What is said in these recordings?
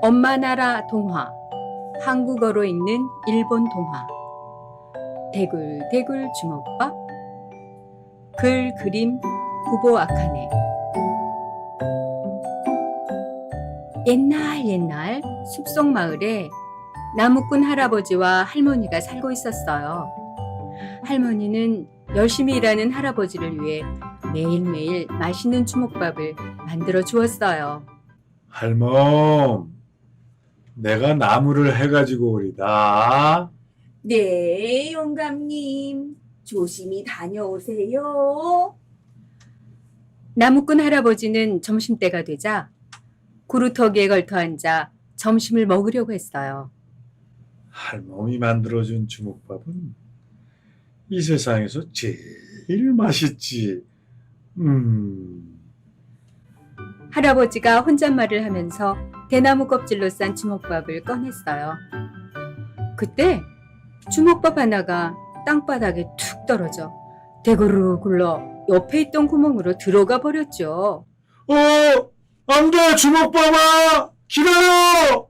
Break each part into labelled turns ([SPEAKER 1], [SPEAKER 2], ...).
[SPEAKER 1] 엄마 나라 동화, 한국어로 읽는 일본 동화. 대굴대굴 주먹밥. 글 그림 구보 아카네. 옛날 숲속 마을에 나무꾼 할아버지와 할머니가 살고 있었어요. 할머니는 열심히 일하는 할아버지를 위해 매일매일 맛있는 주먹밥을 만들어 주었어요.
[SPEAKER 2] 할멈, 내가 나무를 해가지고 오리다.
[SPEAKER 3] 네, 영감님. 조심히 다녀오세요.
[SPEAKER 1] 나무꾼 할아버지는 점심때가 되자 구루터기에 걸터 앉아 점심을 먹으려고 했어요.
[SPEAKER 2] 할멈이 만들어준 주먹밥은 이 세상에서 제일 맛있지.
[SPEAKER 1] 할아버지가 혼잣말을 하면서 대나무 껍질로 싼 주먹밥을 꺼냈어요. 그때 주먹밥 하나가 땅바닥에 툭 떨어져 대구르 굴러 옆에 있던 구멍으로 들어가 버렸죠.
[SPEAKER 2] 안 돼, 주먹밥아! 기다려!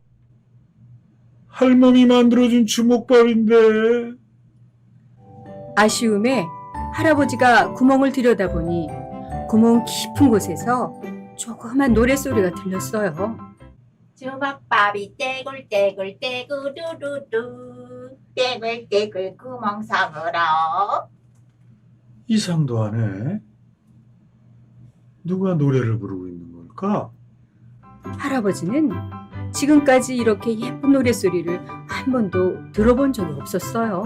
[SPEAKER 2] 할멈이 만들어준 주먹밥인데.
[SPEAKER 1] 아쉬움에 할아버지가 구멍을 들여다보니 구멍 깊은 곳에서 조그만 노랫소리가 들렸어요.
[SPEAKER 3] 주먹밥이 떼굴떼굴 떼구르르르 떼굴떼굴 구멍섬으로.
[SPEAKER 2] 이상도 하네. 누가 노래를 부르고 있는 걸까?
[SPEAKER 1] 할아버지는 지금까지 이렇게 예쁜 노랫소리를 한 번도 들어본 적이 없었어요.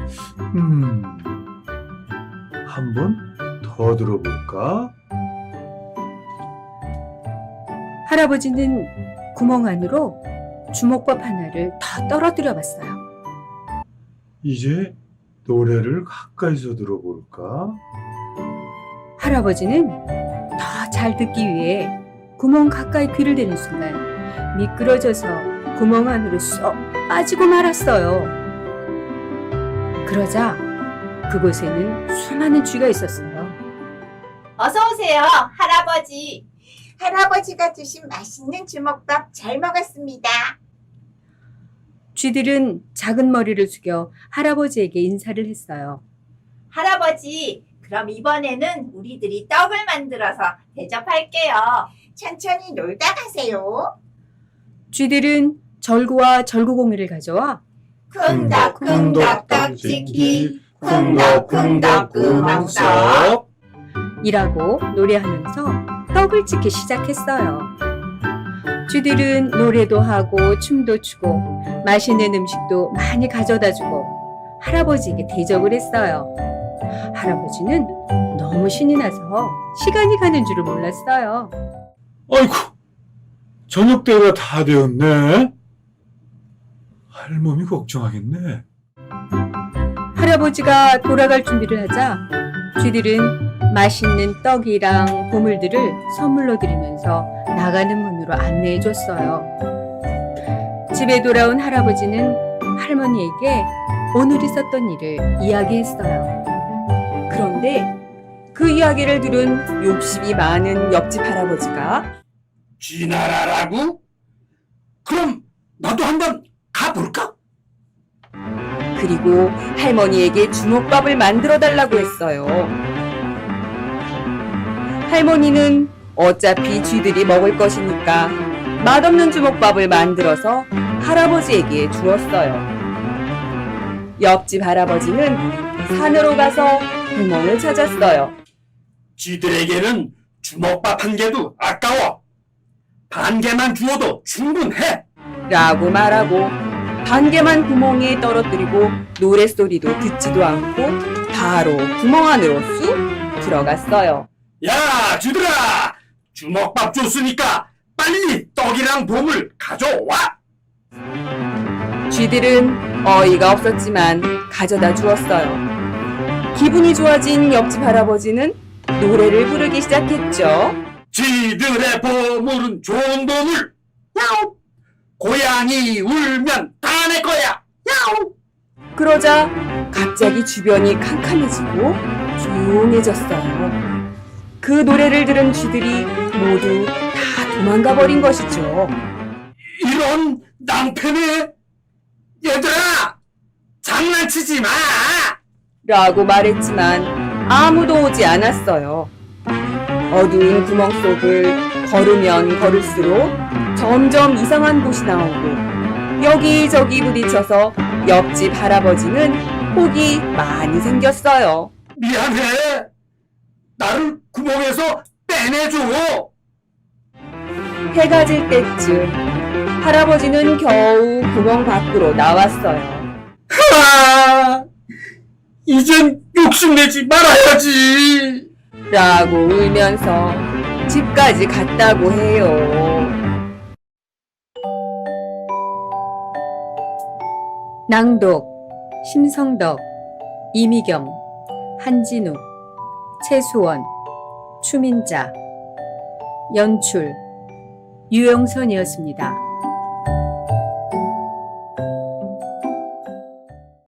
[SPEAKER 2] 한 번 더 들어볼까?
[SPEAKER 1] 할아버지는 구멍 안으로 주먹밥 하나를 더 떨어뜨려 봤어요.
[SPEAKER 2] 이제 노래를 가까이서 들어볼까?
[SPEAKER 1] 할아버지는 더 잘 듣기 위해 구멍 가까이 귀를 대는 순간 미끄러져서 구멍 안으로 쏙 빠지고 말았어요. 그러자 그곳에는 수많은 쥐가 있었어요.
[SPEAKER 3] 어서 오세요, 할아버지. 할아버지가 주신 맛있는 주먹밥 잘 먹었습니다.
[SPEAKER 1] 쥐들은 작은 머리를 숙여 할아버지에게 인사를 했어요.
[SPEAKER 3] 할아버지, 그럼 이번에는 우리들이 떡을 만들어서 대접할게요. 천천히 놀다 가세요.
[SPEAKER 1] 쥐들은 절구와 절구공이를 가져와
[SPEAKER 3] 쿵덕쿵덕 떡치기, 쿵덕쿵덕 구멍석.
[SPEAKER 1] 이라고 노래하면서 떡을 찍기 시작했어요. 쥐들은 노래도 하고 춤도 추고 맛있는 음식도 많이 가져다 주고 할아버지에게 대접을 했어요. 할아버지는 너무 신이 나서 시간이 가는 줄을 몰랐어요.
[SPEAKER 2] 아이고, 저녁 때가 다 되었네. 할멈이 걱정하겠네.
[SPEAKER 1] 할아버지가 돌아갈 준비를 하자 쥐들은 맛있는 떡이랑 보물들을 선물로 드리면서 나가는 문으로 안내해 줬어요. 집에 돌아온 할아버지는 할머니에게 오늘 있었던 일을 이야기했어요. 그런데 그 이야기를 들은 욕심이 많은 옆집 할아버지가
[SPEAKER 4] 쥐나라라고? 그럼 나도 한번 가볼까?
[SPEAKER 1] 그리고 할머니에게 주먹밥을 만들어 달라고 했어요. 할머니는 어차피 쥐들이 먹을 것이니까 맛없는 주먹밥을 만들어서 할아버지에게 주었어요. 옆집 할아버지는 산으로 가서 구멍을 찾았어요.
[SPEAKER 4] 쥐들에게는 주먹밥 한 개도 아까워. 반 개만 주어도 충분해.
[SPEAKER 1] 라고 말하고 반 개만 구멍에 떨어뜨리고 노랫소리도 듣지도 않고 바로 구멍 안으로 쑥 들어갔어요.
[SPEAKER 4] 야, 쥐들아! 주먹밥 줬으니까 빨리 떡이랑 보물 가져와!
[SPEAKER 1] 쥐들은 어이가 없었지만 가져다 주었어요. 기분이 좋아진 옆집 할아버지는 노래를 부르기 시작했죠.
[SPEAKER 4] 쥐들의 보물은 좋은 보물! 야옹! 고양이 울면 다 내 거야! 야옹!
[SPEAKER 1] 그러자 갑자기 주변이 캄캄해지고 조용해졌어요. 그 노래를 들은 쥐들이 모두 다 도망가 버린 것이죠.
[SPEAKER 4] 이런 이런 낭패네. 얘들아, 장난치지 마.
[SPEAKER 1] 라고 말했지만 아무도 오지 않았어요. 어두운 구멍 속을 걸으면 걸을수록 점점 이상한 곳이 나오고 여기저기 부딪혀서 옆집 할아버지는 혹이 많이 생겼어요.
[SPEAKER 4] 미안해. 나를 구멍에서 빼내줘.
[SPEAKER 1] 해가 질 때쯤 할아버지는 겨우 구멍 밖으로 나왔어요.
[SPEAKER 4] 이젠 욕심내지 말아야지.
[SPEAKER 1] 라고 울면서 집까지 갔다고 해요. 낭독 심성덕, 이미경, 한진우, 최수원, 추민자, 연출 유영선이었습니다.